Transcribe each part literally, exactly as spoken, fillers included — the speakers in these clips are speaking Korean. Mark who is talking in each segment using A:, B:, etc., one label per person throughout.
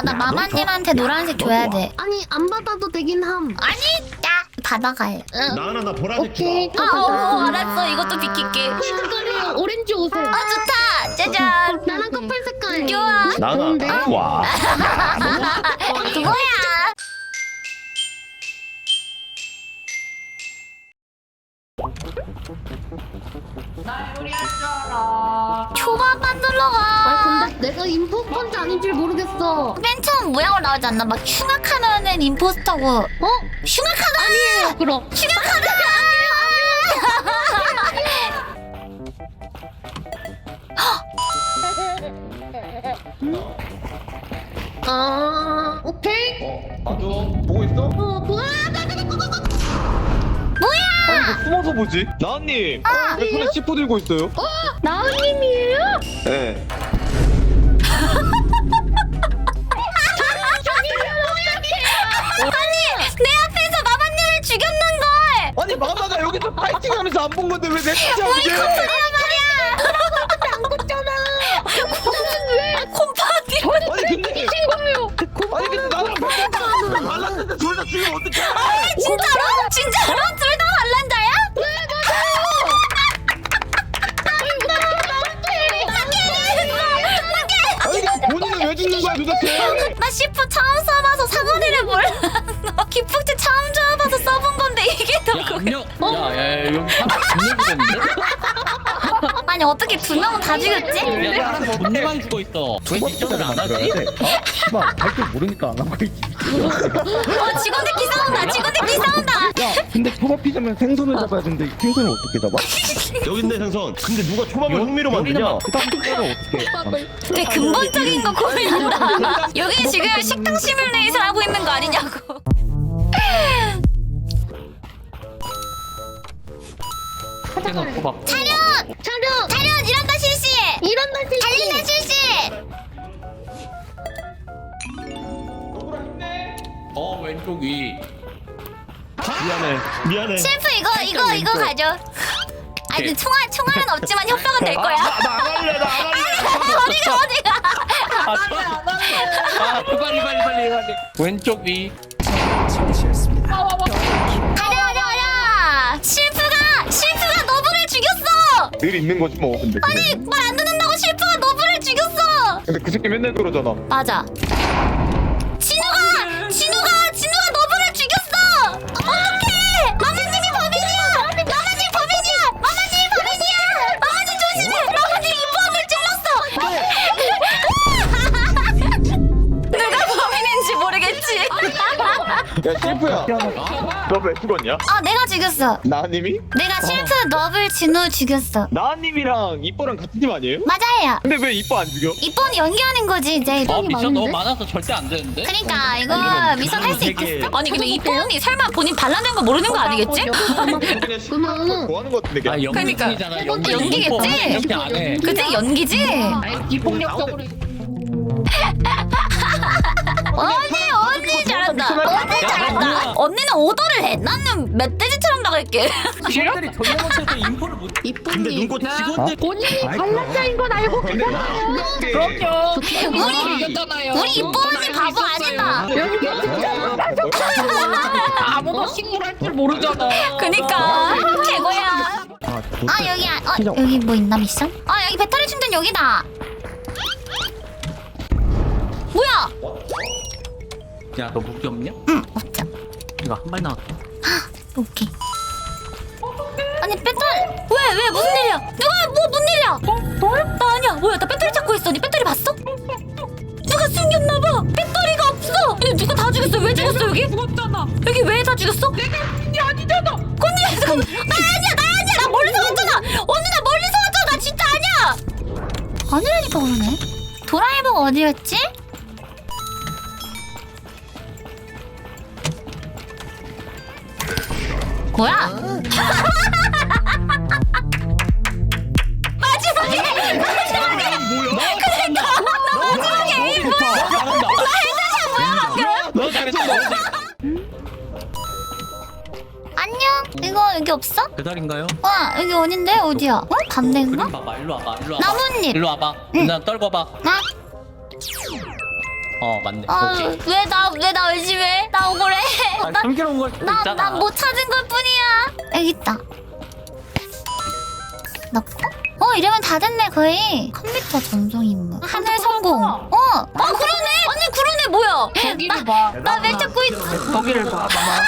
A: 나 마마님한테 노란색 줘야 돼.
B: 아니 안 받아도 되긴 함.
A: 아니, 야 받아가요.
C: 나 하나 나 보라색
B: 오케이.
C: 주라.
A: 아, 어, 어, 알았어. 이것도 비킬게.
B: 이 색깔이에요. 오렌지 옷에.
A: 아, 좋다. 짜잔.
B: 나랑 커플 색깔.
A: 좋아.
B: 좋은데?
C: 나나 와.
A: 그거야.
D: 나 요리할 줄 알아.
A: 초밥 만들러
B: 아
A: 가.
B: 근데 내가 임포스터인지 아닌지 모르겠어.
A: 맨 처음 모양으로 나오지 않나? 막 흉악하면은 임포스터고. 어? 흉악하다.
B: 아니에요. 그럼.
A: 흉악하다.
B: 아 오케이.
E: 맞아. 보고 있어?
B: 어 뭐야? 나나나
A: 뭐야?
E: 아니 뭐 숨어서 보지? 나은님 왜 손에 치포 들고 있어요?
B: 나은님이에요?
E: 네.
A: 아니 내 앞에서 마마님을 죽였는걸.
E: 아니 마마가 여기서 파이팅하면서 안 본 건데 왜 내 진짜
A: 우리
E: 이게?
A: 커플이란 말이야.
B: 안 걷잖아.
A: 콤파티.
E: 아니 근데
B: 거예요.
E: 아니 근데 나랑 백팔 말랐는데 둘 다 죽이면 어떡해?
A: 진짜로? 진짜로? 둘 다 반란자야?
E: 아니 근데 본인은 왜 죽는 거야 도대체?
A: 나 시프 처음 써봐서 사거리를 몰랐어. 기폭제 처음 줘봐서 써본 건데 이게 더
D: 야,
A: 그거.
D: 압력. 야, 야, 야, 여기 사람 분명 죽었는데?
A: 아니 어떻게 두 명은 다 죽였지?
D: 야, 사람 분명 죽어 있어. 왜 미션을 안 하지?
F: 씨발 할줄 모르니까 안 하고 있지.
A: 어 직원들끼리 싸운다. 직원들끼리 싸운다.
F: 야 근데 초밥 피자면 생선을 잡아야 되는데 생선을 어떻게 잡아?
C: 여기 있네 생선. 근데 누가 초밥을
D: 요-
C: 흥미로
D: 요리는
C: 만드냐?
D: 막-
F: 그 다음 피자를 어떻게 해?
A: 되게 근본적인 거 고민한다. 여기 지금 식당 시뮬레이션 하고 있는 거 아니냐고.
D: 생선 초밥.
A: 차렷!
B: 차렷.
A: 차렷! 이런다 실시!
B: 이런 날
A: 달린다 실시!
D: 어, 왼쪽 위.
C: 미안해. 미안해.
A: 셰프 이거 이거 이거 가져. 아니 근데 총알 총알은 없지만 협박은 될 거야.
C: 나안 할래. 나 안 할래.
A: 어디가 어디가?
D: 아, 아, 빨리, 빨리, 빨리, 빨리. 왼쪽 위.
A: 가려 가려 가려! 실프가 실프가 너브를 죽였어.
E: 늘 있는 거지 뭐 근데.
A: 아니 말 안 듣는다고 실프가 너브를 죽였어.
E: 근데 그 새끼 맨날 그러잖아.
A: 맞아. 진우가 진우가 진우가 너브를 죽였어. 어떡해? 마마님이 범인이야. 마마님 범인이야. 마마님 범인이야. 마마님 조심해. 마마님 이포함을 찔렀어. 누가 범인인지 모르겠지.
E: 야 실프야. 너 왜 죽었냐?
A: 아 내가 죽였어.
E: 나은님이?
A: 내가 실프 너블 진우 죽였어.
E: 나은님이랑 이뻐랑 같은 팀 아니에요?
A: 맞아요.
E: 근데 왜 이뻐 안 죽여?
A: 이번이 연기하는 거지 이제.
D: 어, 미션 너무
B: 많은데?
D: 많아서 절대 안 되는데?
A: 그러니까 이거 미션 할 수
C: 되게-
A: 있겠어? 아니 근데 이쁜이 설마 본인 반란된 거 모르는 거 아니겠지?
E: 그냥 실프 좋아하는 거 같은데.
D: 아,
E: 그냥.
A: 그러니까.
D: 연기잖아. 연기.
A: 연기겠지?
D: 이렇게 안 해.
A: 그치 연기지?
D: 비폭력적으로.
A: 언니 언니 잘한다. 언니 잘한다. 언니는 오더를 해. 나는 멧돼지처럼 나갈게.
D: 실들이 전혀 못해서 인포를 못.
C: 근데 눈꽃 직원들
B: 본인이 반란자인 건 알고
E: 근데
D: 그럼요.
A: 우리
D: 이겼잖아요.
A: 우리 이뻐 언니 바보 아니다.
D: 아무도 식물할 줄 모르잖아.
A: 그니까 최고야.
F: 아,
A: 아 여기 아, 어 여기 뭐 있나 미션? 아 여기 배터리 충전 여기다. 뭐야?
D: 야, 너 무기 없냐?
A: 응 없죠.
D: 이거 한 발 나왔다.
A: 오케이. 아니 배터리 왜 왜 무슨 일이야? 누가 뭐 무슨 일이야? 어? 너야? 나 아니야. 뭐야? 나 배터리 찾고 있어. 니 배터리 봤어? 누가 숨겼나봐. 배터리가 없어. 이거 누가 다 죽였어? 왜 죽였어 여기? 죽었잖아. 여기 왜 다 죽였어? 내가 언니 아니잖아. 언니 잠깐. 나 아니야. 나 아니야. 나 멀리서 왔잖아. 언니 나 멀리서 왔잖아. 나 진짜 아니야. 아니라니까 그러네. 도라에버가 어디였지? 뭐야? 마지막에 마지막에 그러니까 나 마지막에 에임 뭐야? 나 헤드샷 뭐야 방금?
D: 너 잘했어.
A: 안녕. 이거 여기 없어?
D: 배달인가요?
A: 와 여기 어딘데? 어디야? 어? 반대인가?
D: 그림 봐봐. 일로 와봐. 일로 와봐.
A: 나뭇잎.
D: 일로 와봐.
A: 응.
D: 나 떨궈봐.
A: 나?
D: 어 맞네. 오케이.
A: 아왜나 왜 나 의심해? 나 억울해.
D: 아, 숨겨놓은 걸 수도 있잖아.
A: 나난 못 찾은 것 뿐이야. 여기 있다. 넣고? 어 이러면 다 됐네 거의. 컴퓨터 전송 임무. 하늘 성공. 어. 어 그러네. 언니 그러네 뭐야?
B: 거기를 봐.
A: 나 왜 찾고 있어?
B: 거기를 봐.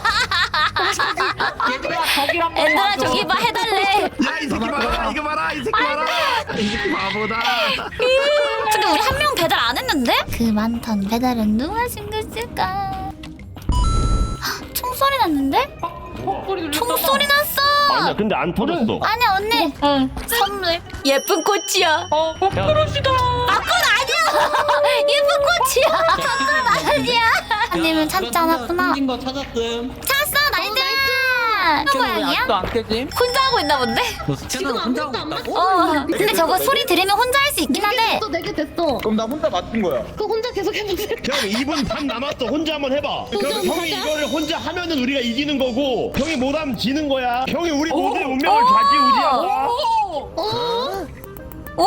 D: 얘들아 거기 한번
A: 얘들아 저기 봐 해달래.
E: 야 이 새끼 봐라 이거 봐라 이 새끼 봐라 이 새끼 바보다.
A: 근데 우리 한 명 배달 안 했는데? 그 많던 배달은 누가 숨겼을까? 헉, 총소리 났는데? 총소리 났어!
C: 아니야 근데 안 터졌어.
A: 아니야 언니 선물 예쁜 꽃이야
D: 어 그러시다.
A: 아꽃 아니야 예쁜 꽃이야 아꽃 아니야 언니는 찾지 않았구나
D: 숨긴 거 찾았음.
A: 찾았어 나이스
D: 스캐너 왜
A: 모양이야?
D: 아직도 안 깨짐?
A: 혼자 하고 있나 본데?
D: 너 스캐너 혼자 하고 있다고?
A: 어 근데 저거 소리 들으면 혼자 할 수 있긴 한데
B: 됐어, 네개 됐어.
F: 그럼 나 혼자 맞춘 거야.
B: 그 혼자 계속 해보세요.
C: 형 이 분 반 남았어. 혼자 한번 해봐. 그럼
B: 혼자
C: 형이
B: 하자.
C: 이거를 혼자 하면은 우리가 이기는 거고 형이 못하면 지는 거야. 형이 우리 모두의 운명을 좌지우지하고.
B: 어?
A: 오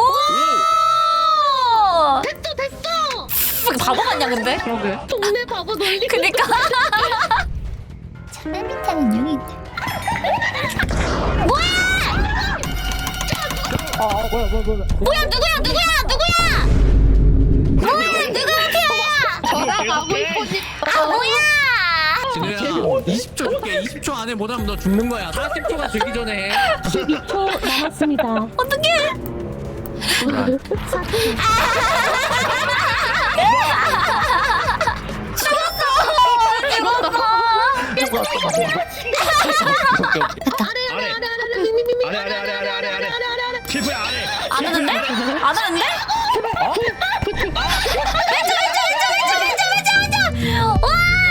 B: 됐어, 됐어.
A: 바보 같냐 근데?
D: 그러게.
B: 동네 바보 놀리고.
A: 그니까 맨 밑에는 용이 있네 뭐야
F: 아, 아 뭐야 뭐야 뭐야.
A: 뭐야 누구야 누구야 누구야 뭐야 누가 마피아야
B: 저랑 가고 싶어지.
A: 아 뭐야
D: 진우야 이십 초 줄게. 이십 초 안에 못하면 너 죽는 거야. 사십 초가 되기 전에 해.
B: 십이 초 남았습니다.
A: 어떡해 죽었어 죽었어
B: 아래, 아래,
C: 아래.
B: 아래, 아래, 미미미미.
C: 아래 아래 아래 아래 아래 아래 아래. 실프야 아래.
A: 안 하는데? 안 하는데? 왼쪽 왼쪽 왼쪽 왼쪽 왼쪽 왼쪽 왼쪽 와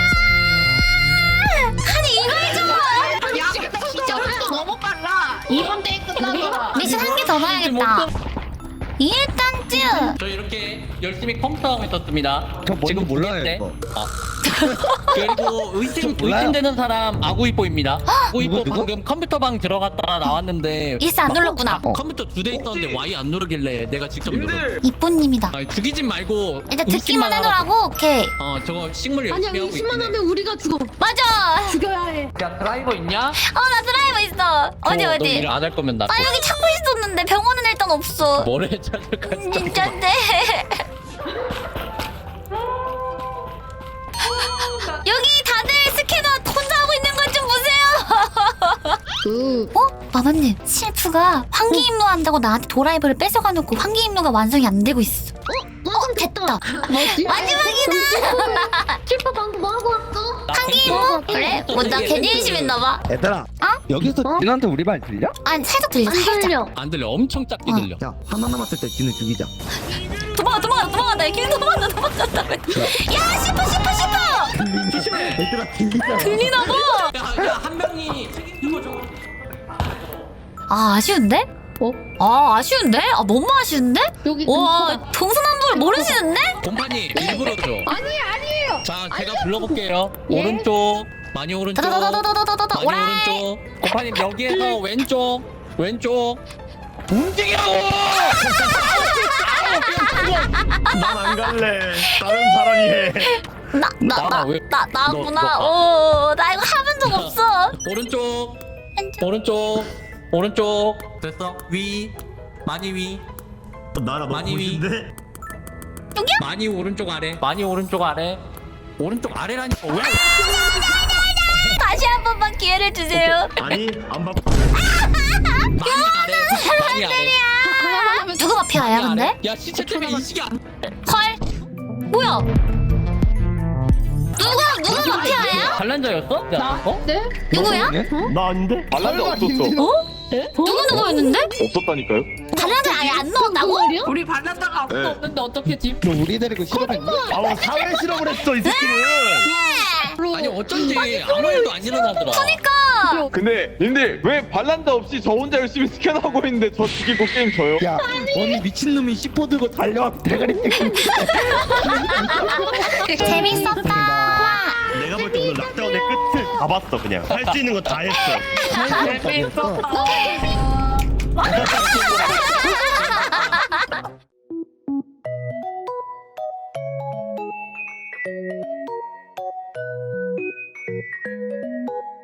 A: 아니 이걸 좀
B: 진짜 속도 너무 빨라. 이번 대회 끝나서.
A: 미션 한 개 더 봐야겠다 일단쯤
D: 저 이렇게 열심히 컴퓨터 하고 있었습니다.
F: 저 뭔지
D: 지금
F: 몰라요,
D: 보겠대.
F: 이거.
D: 아. 그리고 의심
F: 저 몰라요.
D: 의심되는 사람 아구이뽀입니다. 아구이뽀
F: 누구, 누구?
D: 방금 컴퓨터방 들어갔다가 나왔는데
A: 일스 안 눌렀구나
F: 어.
D: 컴퓨터 두 대 있었는데 Y 안 누르길래 내가 직접 눌렀어.
A: 이쁜님이다
D: 아니, 죽이진 말고
A: 일단
D: 의심만
A: 듣기만
D: 하라고.
A: 해놓으라고 오케이
D: 어 저거 식물
B: 아니야,
D: 열심히 하고
B: 의심만
D: 있긴 해.
B: 하면 우리가 죽어.
A: 맞아
B: 죽여야 해.
D: 야 드라이버 있냐?
A: 어 나 드라이버 있어 어디
D: 너
A: 어디
D: 일 안 할 거면 나
A: 나 여기 찾고 있었는데 병원은 일단 없어
D: 뭐래 찾을까
A: 음, 진짠데 여기 다들 스캐너 혼자 하고 있는 것 좀 보세요
B: 그,
A: 어? 마마님 실프가 환기임무 한다고 나한테 도라이버를 뺏어가 놓고 환기임무가 완성이 안 되고 있어
B: 어, 완성 됐다.
A: 뭐지? 마지막이다
B: 칠퍼 방금 뭐 하고 왔어?
A: 환기임무? 그래? 뭐 나 괜히 의심했나봐
F: 얘들아.
A: 어?
F: 여기서
B: 어?
F: 진한테 우리 말 들려?
A: 아니 살짝 들려
B: 안
A: 살짝
B: 들려.
D: 안 들려. 엄청 작게
A: 어.
D: 들려.
F: 야 하나 남았을 때 진우 죽이자.
A: 도망가 도망가 도망간다 길 도망간다 도망간다 야 씹어 씹어 씹어
D: 조심해.
F: 얘들아 들리잖아.
A: 들리나봐
D: 야한 명이 책임지고 줘.
A: 아 아쉬운데?
B: 어?
A: 아 아쉬운데? 아 너무 아쉬운데?
B: 여기
A: 와
B: 근처다.
A: 동서남북을 모르시는데?
D: 곰파니 일부러 줘.
B: 아니, 아니에요.
D: 자 제가 불러볼게요.
B: 예?
D: 오른쪽 많이 오른쪽 많이
A: 다다다다다다다다 오라이
D: 오른쪽. 곰파님 여기에서 왼쪽 왼쪽 움직이라고.
C: 난 안 갈래. 다른 사람이 해.
D: 나나 왜?
A: 나
D: 너,
A: 나구나
D: 너
A: 오나 이거 해본 적 없어
D: 오른쪽
A: 왼쪽.
D: 오른쪽 오른쪽 됐어 위 많이 위
C: 나라
D: 많이 위.
C: 멋있는데?
D: 많이 오른쪽 아래 많이 오른쪽 아래 오른쪽 아래라니까 왜?
A: 다시 한 번만 기회를 주세요
C: 아니 안 봐.
D: 많이 아래 많이 아래
A: 아, 누구 마피아야
D: 많이
A: 근데?
D: 아래. 야 시체 때문에 인식이 안
A: 헐 뭐야 누가 누가 마피아야?
D: 반란자였어? 나 어?
B: 네?
A: 누구야?
C: 나 아닌데?
F: 발란도 없었어.
A: 누구 누구였는데?
E: 없었다니까요?
A: 달라들 아예 안 넣었다고?
B: 말이야?
D: 우리 반란자가 아무도
E: 네.
D: 없는데 어떻게 집?
F: 너 우리 데리고 싫어했니?
C: 아우 사회 실험을 했어 이 새끼는.
D: 아니 어쩐지 아무 일도 안 일어나더라.
A: 그러니까
E: 근데 님들 왜 반란자 없이 저 혼자 열심히 스캔하고 있는데 저 죽이고 게임 져요?
F: 야, 언니 미친놈이 씨포 들고 달려와 대가리 떼고
A: 재밌었다
C: 내가 볼 때 오늘 락다운의 끝을 다 봤어 그냥. 할 수 있는 거 다 했어.
F: 재밌었어.
A: 어?